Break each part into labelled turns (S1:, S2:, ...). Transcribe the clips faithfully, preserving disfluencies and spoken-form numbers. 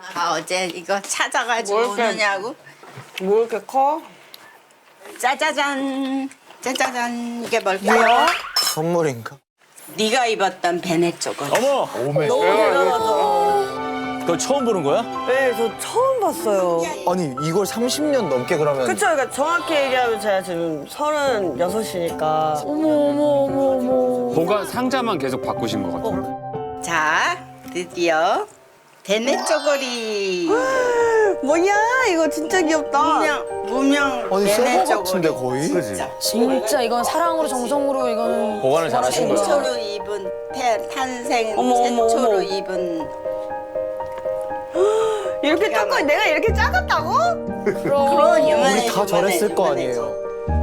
S1: 아, 어제 이거 찾아가지고
S2: 뭘 이렇게-
S1: 오느냐고.
S2: 뭐 이렇게 커?
S1: 짜자잔. 짜자잔. 이게 뭘까요?
S3: 선물인가?
S1: 네가 입었던 베네 쪼거리.
S4: 어머!
S2: 너무 대단하죠.
S4: 그걸 처음 보는 거야?
S2: 네, 저 처음 봤어요.
S3: 아니 이걸 삼십 년 넘게 그러면
S2: 그쵸, 그러니까 정확히 얘기하면 제가 지금 서른여섯이니까.
S5: 어머 어머 어머 어머.
S6: 보관 상자만 계속 바꾸신 것 같아요.
S1: 자, 드디어 베네 쪼거리.
S2: 뭐야, 이거 진짜 귀엽다.
S1: 무명, 무명
S3: 아니
S1: 베네
S3: 새거 같은데
S1: 쪼거리.
S3: 거의?
S1: 진짜.
S5: 진짜 이건 사랑으로 정성으로 이거는
S4: 보관을 잘하신 거야.
S1: 최초로 입은 태, 탄생
S2: 어머, 어머,
S1: 최초로
S2: 어머.
S1: 입은.
S2: 이렇게
S1: 기가
S2: 조금 내가 이렇게 작았다고?
S1: 그런 유만해.
S3: 우리 다 저랬을 거 아니에요.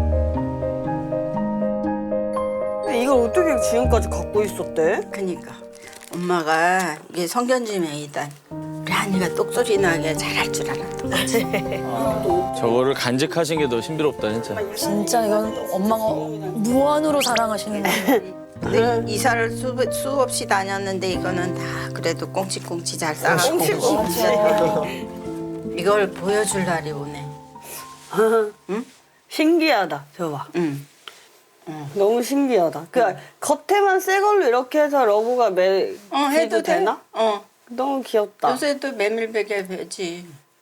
S2: 이걸 어떻게 지금까지 갖고 있었대?
S1: 그니까 엄마가 이게 성견지명이다. 우리 한이가 똑소리 나게 잘할 줄 알았던 거지.
S4: 저거를 간직하신 게 더 신비롭다, 진짜.
S5: 진짜 이건 엄마가 무한으로 사랑하시는 거예요.
S1: 근데 이사를 수, 수없이 다녔는데 이거는 다 그래도 꽁치꽁치 잘 싸가지고
S2: 꽁치꽁치.
S1: 이걸 보여줄 날이 오네. 응?
S2: 신기하다. 저 봐.
S1: 응.
S2: 너무 신기하다. 그 겉에만 새 걸로 이렇게 해서 러브가 매
S1: 어, 해도
S2: 해도
S1: 돼?
S2: 되나?
S1: 어.
S2: 너무 귀엽다.
S1: 요새도 메밀베개 베지.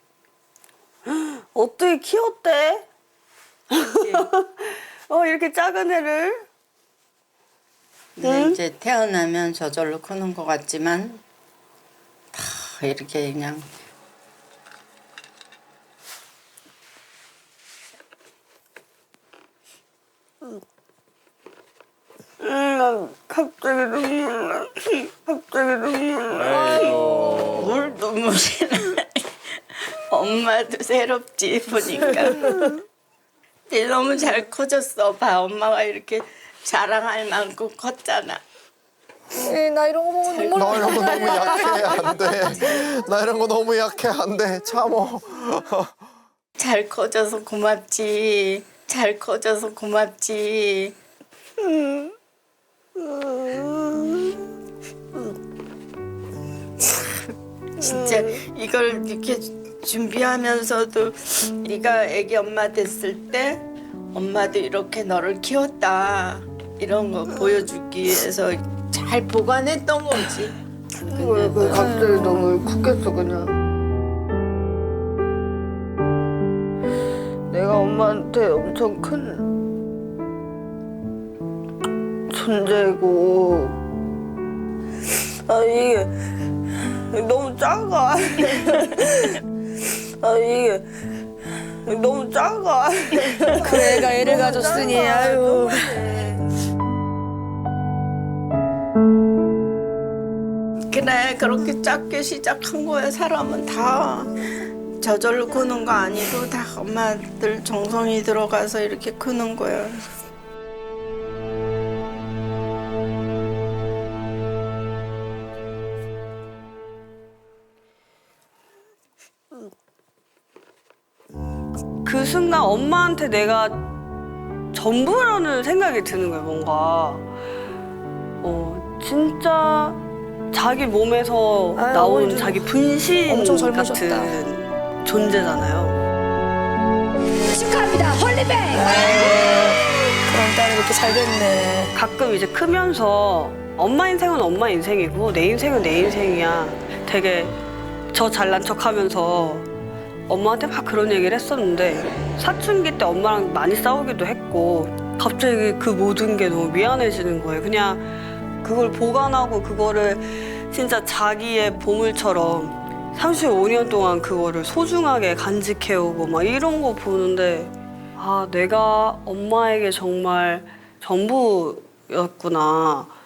S2: 어떻게 키웠대? 어, 이렇게 작은 애를.
S1: 근데
S2: 응?
S1: 이제 태어나면 저절로 크는 것 같지만 다 이렇게 그냥
S2: 음, 갑자기 눈물 나. 갑자기 눈물 나.
S4: 아이고.
S1: 물 눈물이 나. 엄마도 새롭지 보니까. 근데 너무 잘 커졌어. 봐, 엄마가 이렇게 자랑할 만큼 컸잖아.
S5: 에이, 나 이런 거 보면 눈물
S3: 나 이런 거 너무 약해 안 돼. 나 이런 거 너무 약해 안 돼. 참어.
S1: 잘 커져서 고맙지. 잘 커져서 고맙지. 진짜 이걸 이렇게 준비하면서도 네가 애기 엄마 됐을 때 엄마도 이렇게 너를 키웠다 이런 거 보여주기 위해서 잘 보관했던 거지.
S2: 왜, 왜 갑자기 너무 울컥했어 그냥. 내가 엄마한테 엄청 큰 존재고 아 이게 너무 작아. 아 이게 너무 작아.
S5: 그 애가 애를 가졌으니 아유.
S1: 그래 그렇게 작게 시작한 거야. 사람은 다 저절로 크는 거 아니고 다 엄마들 정성이 들어가서 이렇게 크는 거야.
S2: 그 순간 엄마한테 내가 전부라는 생각이 드는 거예요, 뭔가. 어, 진짜 자기 몸에서
S5: 아유,
S2: 나온
S5: 어머니도
S2: 자기 분신
S5: 엄청 젊으셨다.
S2: 같은 존재잖아요.
S5: 축하합니다, 홀리베이. 그런 딸이 이렇게 잘 됐네.
S2: 가끔 이제 크면서 엄마 인생은 엄마 인생이고 내 인생은 내 인생이야. 되게 저 잘난 척하면서 엄마한테 막 그런 얘기를 했었는데 사춘기 때 엄마랑 많이 싸우기도 했고 갑자기 그 모든 게 너무 미안해지는 거예요. 그냥 그걸 보관하고 그거를 진짜 자기의 보물처럼 삼십오 년 동안 그거를 소중하게 간직해오고 막 이런 거 보는데 아 내가 엄마에게 정말 전부였구나.